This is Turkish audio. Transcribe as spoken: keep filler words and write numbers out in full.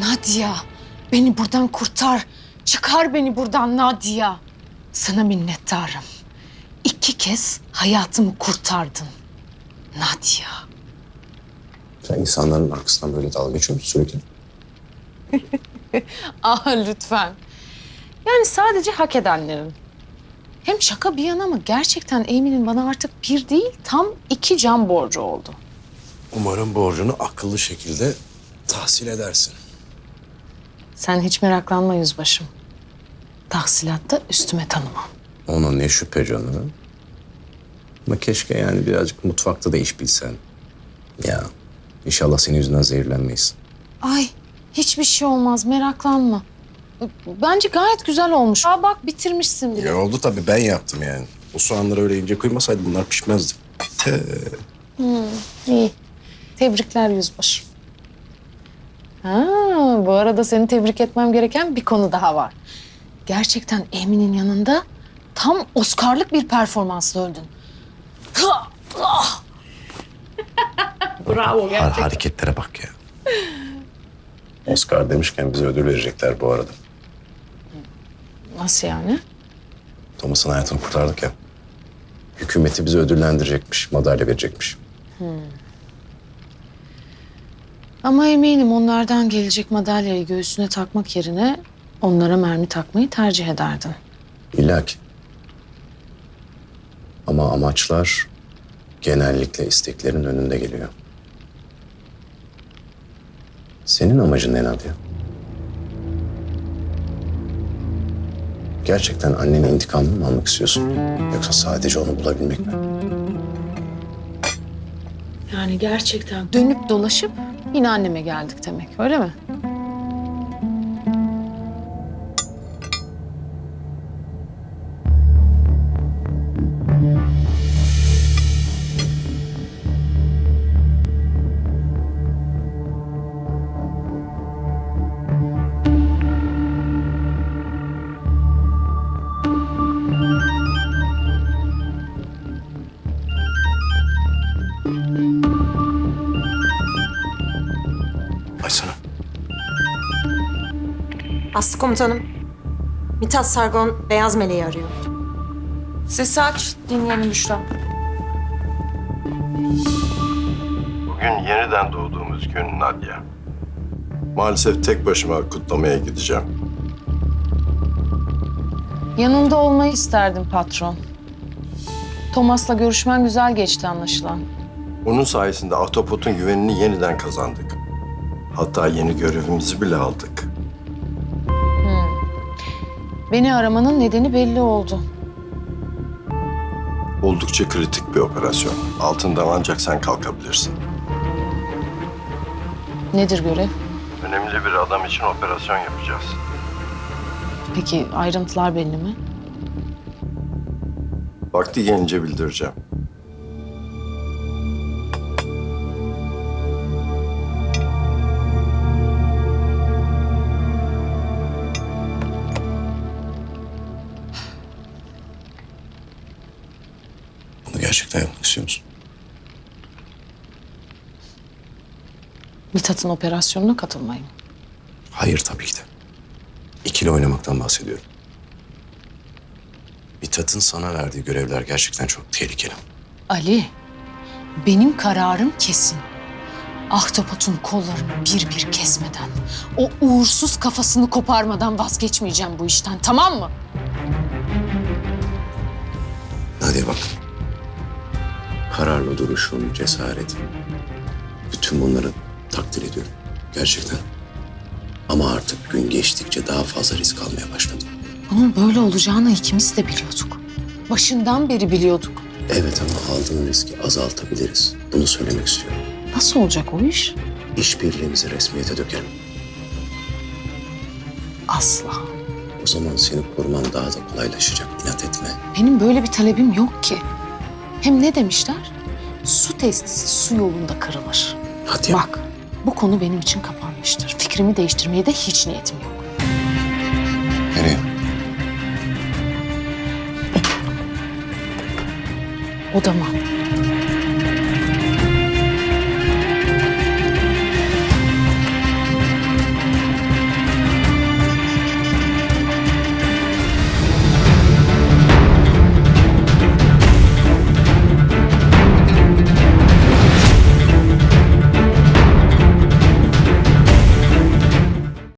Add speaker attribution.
Speaker 1: Nadia, beni buradan kurtar. Çıkar beni buradan Nadia. Sana minnettarım. İki kez hayatımı kurtardın. Nadia.
Speaker 2: Sen insanların arkasından böyle dalga geçiyor musun sürekli?
Speaker 1: Ah lütfen. Yani sadece hak edenlerin. Hem şaka bir yana ama gerçekten Emin'in bana artık bir değil tam iki can borcu oldu.
Speaker 2: Umarım borcunu akıllı şekilde tahsil edersin.
Speaker 1: Sen hiç meraklanma yüzbaşım. Tahsilatta üstüme tanımam.
Speaker 2: Ona ne şüphe canım. Ama keşke yani birazcık mutfakta da iş bilsen. Ya inşallah senin yüzünden zehirlenmeyiz.
Speaker 1: Ay hiçbir şey olmaz meraklanma. Bence gayet güzel olmuş. Aa bak bitirmişsin bile.
Speaker 2: Ya oldu tabii, ben yaptım yani. O soğanları öyle ince kıymasaydı bunlar pişmezdi. Te.
Speaker 1: İyi. Tebrikler yüzbaşım. Ha, bu arada seni tebrik etmem gereken bir konu daha var. Gerçekten Emin'in yanında tam Oscar'lık bir performansla öldün. Bravo
Speaker 2: Har
Speaker 1: gerçekten.
Speaker 2: hareketlere bak ya. Oscar demişken bize ödül verecekler bu arada.
Speaker 1: Nasıl yani?
Speaker 2: Thomas'ın hayatını kurtardık ya. Hükümeti bizi ödüllendirecekmiş, madalya verecekmiş.
Speaker 1: Ama eminim onlardan gelecek madalyayı göğsüne takmak yerine onlara mermi takmayı tercih ederdin.
Speaker 2: İlla ki. Ama amaçlar genellikle isteklerin önünde geliyor. Senin amacın ne Nadia? Gerçekten annenin intikamını mı almak istiyorsun? Yoksa sadece onu bulabilmek mi?
Speaker 1: Yani gerçekten dönüp dolaşıp yine anneme geldik demek öyle mi?
Speaker 2: Açsana.
Speaker 3: Aslı komutanım. Mithat Sargon Beyaz Meleği arıyor.
Speaker 4: Sesi aç, dinleyelim Büşra.
Speaker 5: Bugün yeniden doğduğumuz gün Nadia. Maalesef tek başıma kutlamaya gideceğim.
Speaker 1: Yanında olmayı isterdim patron. Thomas'la görüşmen güzel geçti anlaşılan.
Speaker 5: Onun sayesinde Ahtapot'un güvenini yeniden kazandık. Hatta yeni görevimizi bile aldık.
Speaker 1: Beni aramanın nedeni belli oldu.
Speaker 5: Oldukça kritik bir operasyon. Altından ancak sen kalkabilirsin.
Speaker 1: Nedir görev?
Speaker 5: Önemli bir adam için operasyon yapacağız.
Speaker 1: Peki ayrıntılar belli mi?
Speaker 5: Vakti gelince bildireceğim.
Speaker 2: Bunu gerçekten yapmak istiyor musun?
Speaker 1: Mithat'ın operasyonuna katılmayı mı?
Speaker 2: Hayır tabii ki de. İkili oynamaktan bahsediyorum. Mithat'ın sana verdiği görevler gerçekten çok tehlikeli.
Speaker 1: Ali, benim kararım kesin. Ahtapot'un kollarını bir bir kesmeden, o uğursuz kafasını koparmadan vazgeçmeyeceğim bu işten, tamam mı?
Speaker 2: Nadia bak. Kararlı duruşun, cesaretin. Bütün bunları takdir ediyorum. Gerçekten. Ama artık gün geçtikçe daha fazla risk almaya başladım.
Speaker 1: Bunun böyle olacağını ikimiz de biliyorduk. Başından beri biliyorduk.
Speaker 2: Evet ama aldığın riski azaltabiliriz. Bunu söylemek istiyorum.
Speaker 1: Nasıl olacak o iş?
Speaker 2: İşbirliğimizi resmiyete dökelim.
Speaker 1: Asla.
Speaker 2: O zaman seni koruman daha da kolaylaşacak. İnat etme.
Speaker 1: Benim böyle bir talebim yok ki. Hem ne demişler? Su testisi su yolunda kırılır.
Speaker 2: Hadi.
Speaker 1: Bak, bu konu benim için kapanmıştır. Fikrimi değiştirmeye de hiç niyetim yok.
Speaker 2: Nereye?
Speaker 1: Odama.